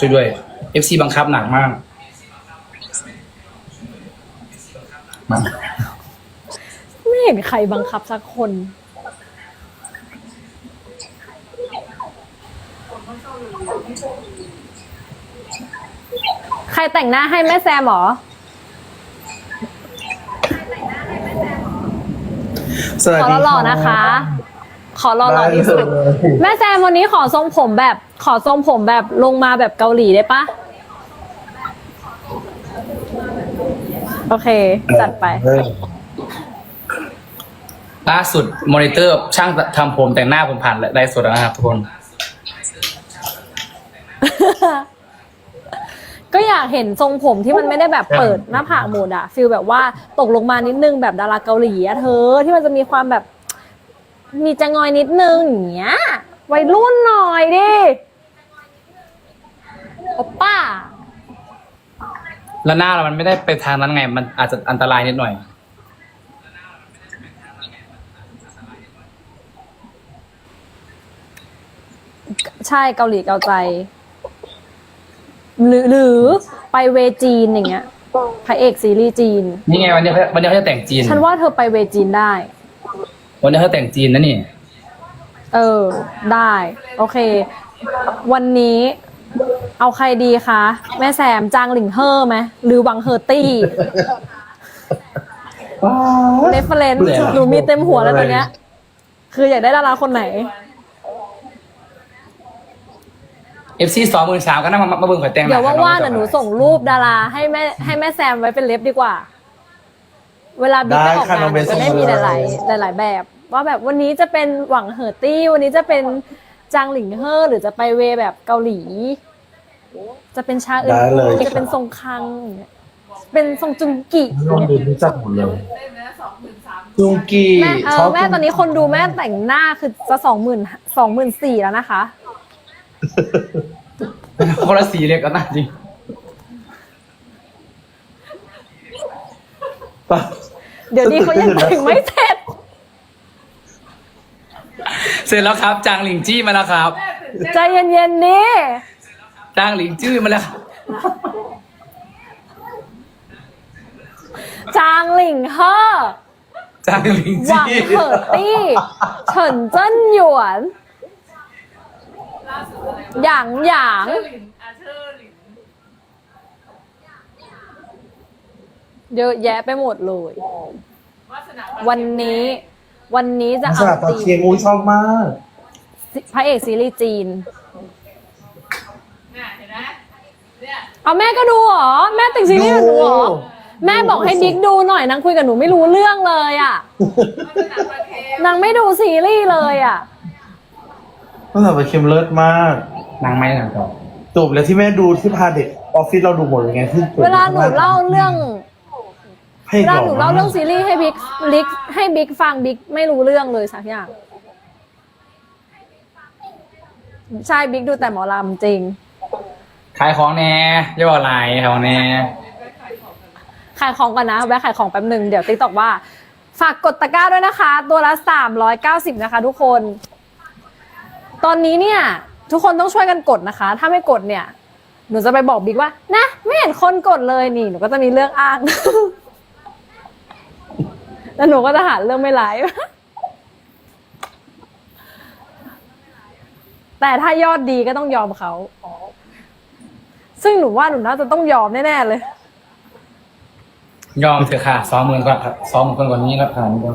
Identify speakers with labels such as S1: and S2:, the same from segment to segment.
S1: ช่วยด้วย FC บังคับหนักมากมา
S2: ไม่เห็นใครบังคับสักคน ใครแต่งหน้าให้แม่แซมเหรอ
S3: สวัส
S2: ขอ
S3: ดี
S2: หล่อๆนะคะ ขอหล่อๆที่สุด แม่แซมวันนี้ขอทรงผมแบบลงมาแบบเกาหลีได้ปะโอเค จัดไป
S1: ล่าสุดมอนิเตอร์ช่างทำผมแต่งหน้าผมผ่านไลฟ์สดแล้วนะครับทุกคน
S2: ก็อยากเห็นทรงผมที่มันไม่ได้แบบเปิดหน้าผากหมดอะฟีลแบบว่าตกลงมานิดนึงแบบดาราเกาหลีอะเธอที่มันจะมีความแบบมีจะงอยนิดนึงอย่างเงี้ยวัยรุ่นหน่อยดิโอป้า
S1: แล้วหน้าเรามันไม่ได้ไปทางนั้นไง มันอาจจะอันตรายนิดหน่อย
S2: ใช่เกาหลีเกาใจ หรือไปเวจีนอย่างเงี้ยพระเอกซีรีส์จีน
S1: นี่ไงวันนี้เขาจะแต่งจีน
S2: ฉันว่าเธอไปเวจีนได้
S1: วันนี้เขาแต่งจีนนะนี่
S2: เออ ได้ โอเค วันนี้เอาใครดีคะ แม่แซมจางหลิงเฮอร์ไหมหรือวังเฮอร์ตี้เรฟเฟรนซ์หนูมีเต็มหัวแล้วตอนเนี้ย คืออยากได้ดาราคนไหน
S1: FC 23,000ก็นั่งมาเบิ่งข่อยแต่งหน้า
S2: เดี๋ยวว่างๆน่ะหนูส่งรูปดาราให้แม่แซมไว้เป็นเล็บดีกว่า เวลาบิ๊กไปออกงานหนูจะได้มีหลายแบบ ว่าแบบวันนี้จะเป็นหวังเหอตี้ วันนี้จะเป็นจางหลิงเฮอร์หรือจะไปเวแบบเกาหลี จะเป็นชาอื่นจะเป็นทรงคังอย่างเงี้ยเป็นทรงจุงกิ
S3: น้องดูรู้จักหมดเลยจุงกี
S2: แม่แม่ตอนนี้คนดูแม่แต่งหน้าคือจะ24,000แล้วนะคะ
S1: คนละสีเลยก็น่าจริง
S2: เดี๋ยวนี้เขายังแต่งไม่เสร็จ
S1: เสร็จแล้วครับ จางหลิงจี้มาแล้วครับ
S2: ใจเย็นๆนี่
S1: จางหลิงจี้มาแล้วครับ
S2: จางหลิงเฮอร์
S1: จางหลิง
S2: หวัง
S1: จี้
S2: เหอตี้เฉินเจิ้นหยวนหยางเยอะแยะไปหมดเลย วันนี้จะ
S3: ส
S2: เอา
S3: ลับตา
S2: ตี
S3: เชียงอุ้ยชอบมาก
S2: พระเอกซีรีส์จีน เอาแม่ก็ดูเหรอ แม่ติ่งซีรีส์กับหนูเหรอ แม่บอกให้บิ๊กดูหน่อยนางคุยกับหนูไม่รู้เรื่องเลยอ่ะนางไม่ดูซีรีส์เลยอ่ะ
S3: ตั้งแต่ไปเค็มเลิศมาก
S1: นางไม้หนังต่อ
S3: จบแล้วที่แม่ดูที่พาเด็กออฟฟิศเราดูหมดเลยไงที่
S2: เวลาหนูเล่าเรื่อง
S3: ให้
S2: เวลา
S3: ก่
S2: หนูเล่าเรื่องซีรีส์ให้บิ๊กฟังบิ๊กไม่รู้เรื่องเลยสักอย่าง ใช่บิ๊กดูแต่หมอลำจริง
S1: ขายของแน่อย่าบอกอะไรขายของแน่
S2: ขายของก่อนนะแวะขายของแป๊บหนึ่งเดี๋ยวติ๊กตอกว่า ฝากกดตะกร้าด้วยนะคะ ตัวละ390นะคะ ทุกคน ตอนนี้เนี่ย ทุกคนต้องช่วยกันกดนะคะ ถ้าไม่กดเนี่ย หนูจะไปบอกบิ๊กว่านะไม่เห็นคนกดเลยนี่หนูก็จะมีเรื่องอ้าง แล้วหนูก็จะหาเรื่องไม่ไลฟ์ แต่ถ้ายอดดีก็ต้องยอมเขา ซึ่งหนูว่าหนูน่าจะต้องยอมแน่ๆเลย
S1: ยอมเถอะค่ะ20,000ก่อนครับ20,000คนกว่านี้แล้วขนาดนี้แล้ว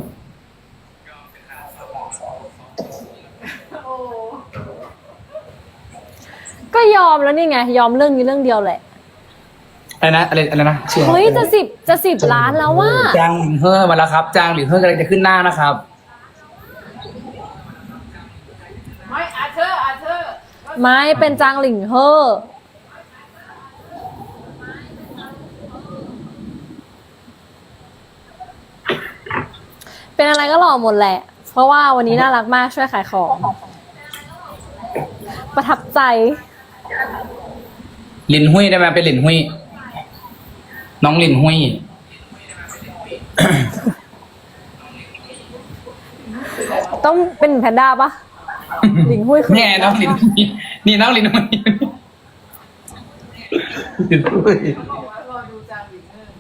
S2: ก็ยอมแล้วนี่ไง ยอมเรื่องนี้เรื่องเดียวแหละ
S1: อะไรนะชื่อ
S2: เฮ้ยจะ10 ล้านแล้วว่า
S1: จางหลิงเฮอร์มาแล้วครับ จางหลิงเฮอร์กำลังจะขึ้นหน้านะครับ
S2: ไม่เป็นจางหลิงเฮอร์เป็นอะไรก็หล่อหมดแหละ เพราะว่าวันนี้น่ารักมากช่วยขายของ ประทับใจ
S1: หลินหุยได้ไหมเป็นหลินหุยน้องหลินหุย
S2: ต้องเป็นแพนด้าปะ หลิงหุ้ยคือ
S1: นี่ไงน้องหลินหุยนี่น้องหลินหุย
S3: บอกว่ารอดูจางวินเนอร์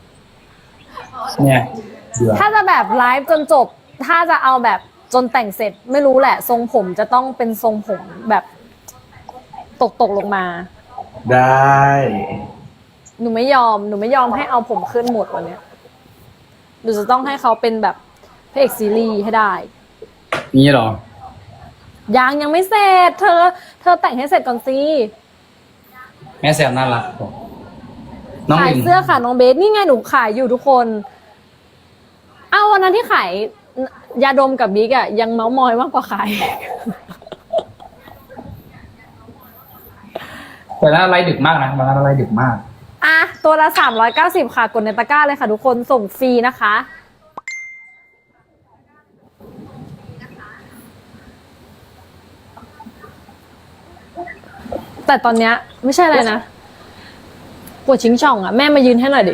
S1: เนี่ย
S2: ถ้าจะแบบไลฟ์จนจบ ถ้าจะเอาแบบจนแต่งเสร็จไม่รู้แหละ ทรงผมจะต้องเป็นทรงผมแบบตกลงมา
S4: ได้
S2: หนูไม่ยอมให้เอาผมขึ้นหมดวันเนี้ยหนูจะต้องให้เขาเป็นแบบพระเอกซีรีส์ให้ได้
S1: นี่เหรอ
S2: ยังไม่เสร็จ เธอแต่งให้เสร็จก่อนสิ
S1: แม่แซมน่ารักน้อง
S2: ขาย
S1: หลิง
S2: เสื้อค่ะน้องเบสนี่ไงหนูขายอยู่ทุกคนเอาวันนั้นที่ขายยาดมกับบิ๊กอะยังเมาส์มอยมากกว่าขาย
S1: แต่น่าไลฟ์ดึกมากนะมันน่าไลฟ์ดึกมาก
S2: อ่ะตัวละ390ค่ะกดในตะกร้าเลยค่ะทุกคนส่งฟรีนะคะ แต่ตอนเนี้ยไม่ใช่อะไรนะปวดชิงช่องอ่ะแม่มายืนให้หน่อยดิ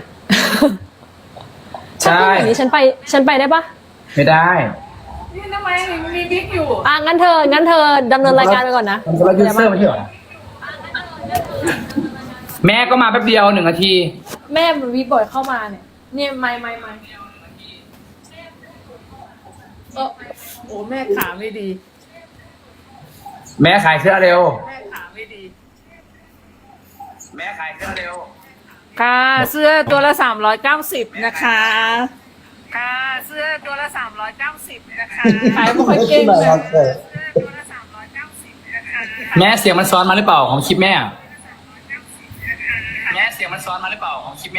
S1: ใช่
S2: ถ้าเป็นแบบนี้ฉันไปได้ปะ
S1: ไม่ได้
S3: นี่ทำไมมีบิ๊กอยู่
S2: อ่ะงั้นเธอดำเนินรายการไปก่อนนะ
S1: มันก็ไลฟ์ยูเซอร์ไม่ใช่เหรอแม่ก็มาแป๊บเดียว1 นาที
S2: แม่มันวีบ่อยเข้ามาเนี่ยไม่
S3: โอ้แม่ขาไม่ดี
S1: แม่ขายเสื้อเร็ว
S3: แม่ขาไม่ดี
S1: แม่ขายเสื้อเร็ว
S3: ค่ะเสื้อตัวละ390นะคะค่ะเสื้อตัวละ390นะคะขายไม่ค่อยเก่งเลย ตัวละ390นะคะ
S1: แม่เสียงมันซ้อนมาหรือเปล่าของคลิปแม่แม่เสียงมันซ้อนมาหรือเปล่าของคลิปแม่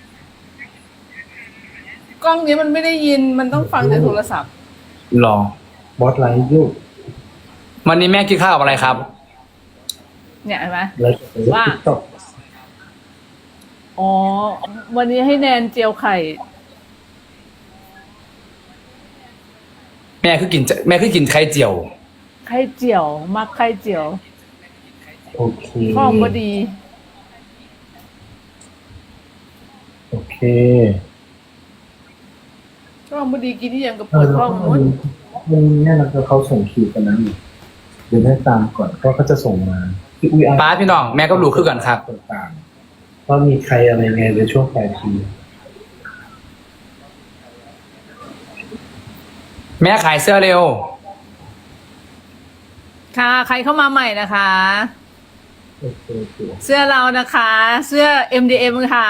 S3: กล้องนี้มันไม่ได้ยินมันต้องฟังจากโทรศัพท์
S1: หรอบ
S4: อสไลฟ์อยู่
S1: วันนี้แม่กินข้าวกับอะไรครับ
S3: เนี่ยเห็นไหม
S4: ไลฟ์
S3: ว่า
S4: ตก
S3: อ๋อวันนี้ให้แนนเจียวไข่
S1: แม่คือกินไข่เจียว
S3: ไข่เจียวมักไข่เจียว
S4: โอเค
S3: ข้องก็ดี
S4: โอเค
S3: ข้องก็ดีกินที่ยังกับเปิดข้องนู้น
S4: มันเนี่ยนะเขาส่งคิวกันนั้นอยู่เดี๋ยวให้ตามก่อนก็เขาจะส่งมาพี่อุ้ย
S1: ป้าพี่น้องแม่ก็รู้คือกันครับ
S4: ต่างๆว่ามีใครอะไรไงในช่วงปลายปี
S1: แม่ขายเสื้อเร็ว
S3: ค่ะใครเข้ามาใหม่นะคะ
S4: โอเคโอเค
S3: เสื้อเรานะคะ เสื้อ MDM ค่ะ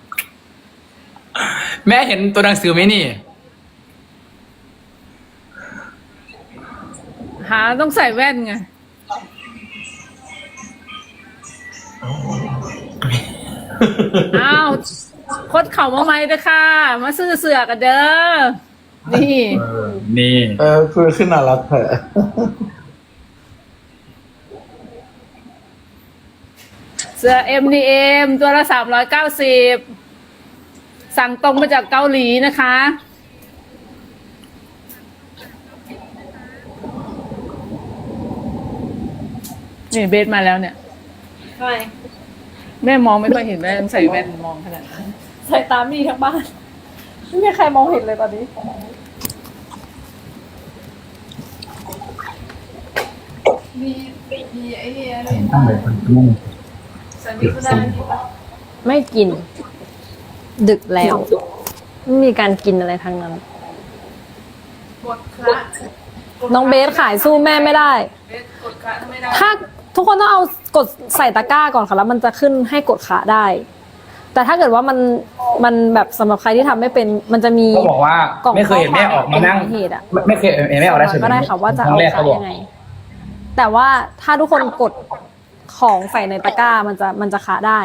S1: แม่เห็นตัวหนังสือไหมนี่
S3: หาต้องใส่แว่นไง อ้าวคดเข่ามาใหม่เด้อค่ะ มาซื้อเสือกันเด้อ นี่
S1: นี่
S4: คือขึ้นน่ารักเถอะ
S3: เสื้อ MDM ตัวละ390สั่งตรงมาจากเกาหลีนะคะ นี่เบสมาแล้วเนี่ย
S2: ทำไม
S3: แม่มองไม่ค่อยเห็นแม่ต้องใส่แว่นมองขนาดนั้น
S2: ใส่ตามมีทั้งบ้านไม่มีใครมองเห็นเลยตอนนี้
S3: มีไอ้เนี่ย
S4: ตั้งแต่คนรุ่ง
S3: สันนิษฐาน
S2: ไม่กิน ดึกแล้ว ไม่มีการกินอะไรทั้งนั้น
S3: กดคละ
S2: น้องเบสขายสู้แม่ไม่ได้
S3: เบสกดคละไม่ได้
S2: ถ้าทุกคนต้องเอากดใส่ตะกร้าก่อนค่ะแล้วมันจะขึ้นให้กดขาได้ แต่ถ้าเกิดว่ามันแบบสำหรับใครที่ทำไม่เป็นมันจะมี
S1: ก็บอกว่า
S2: กล่อง
S1: ไม่เคยเห็นแม่ออกมานั่ง
S2: ข้อความเหตุอะ
S1: ไม่เคยเห็นแม่ออกได้เฉย
S2: ก็ได้ค่ะว่าจะ
S1: ครั้
S2: เอา
S1: งแรก
S2: ขา
S1: เขาบอก
S2: ยังไง แต่ว่าถ้าทุกคนกดของใส่ในตะกร้ามันจะขาได้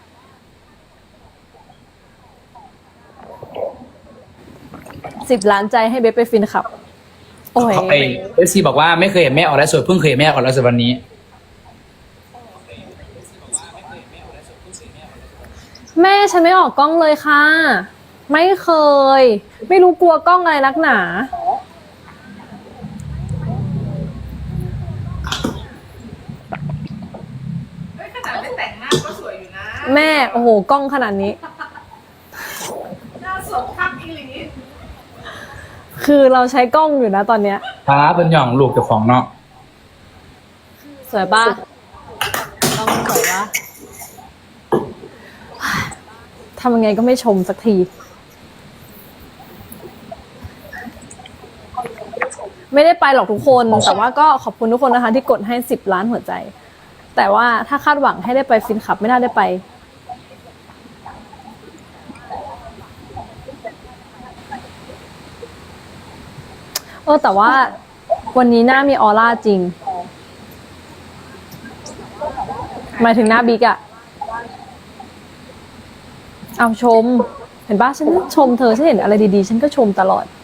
S2: 10 ล้านใจให้เบสไปฟินขับ โอ้ย
S1: ไอเอฟซีบอกว่าไม่เคยเห็นแม่ออกได้สวยเพิ่งเคยเห็นแม่ออกได้สวยวันนี้
S2: แม่ฉันไม่ออกกล้องเลยค่ะ ไม่เคย ไม่รู้กลัวกล้องอะไรนักหนา
S3: เฮ้ยขนาดไม่แต่งหน้าก็สวยอยู่นะ
S2: แม่โอ้โหกล้องขนาดนี้
S3: หน้าสดคักอีหลี
S2: คือเราใช้กล้องอยู่นะตอนเนี้ย
S1: ครับเป็นหย่องลูกเจ้าของเนาะ
S2: สวยปะกล้องสวยปะำยังไงก็ไม่ชมสักทีไม่ได้ไปหรอกทุกคนแต่ว่าก็ขอบคุณทุกคนนะคะที่กดให้10 ล้านหัวใจแต่ว่าถ้าคาดหวังให้ได้ไปฟินคลับไม่น่าได้ไปแต่ว่าวันนี้หน้ามีออร่าจริงหมายถึงหน้าบิ๊กอะเอาชมเห็นป่ะฉันชมเธอฉันเห็นอะไรดีๆฉันก็ชมตลอด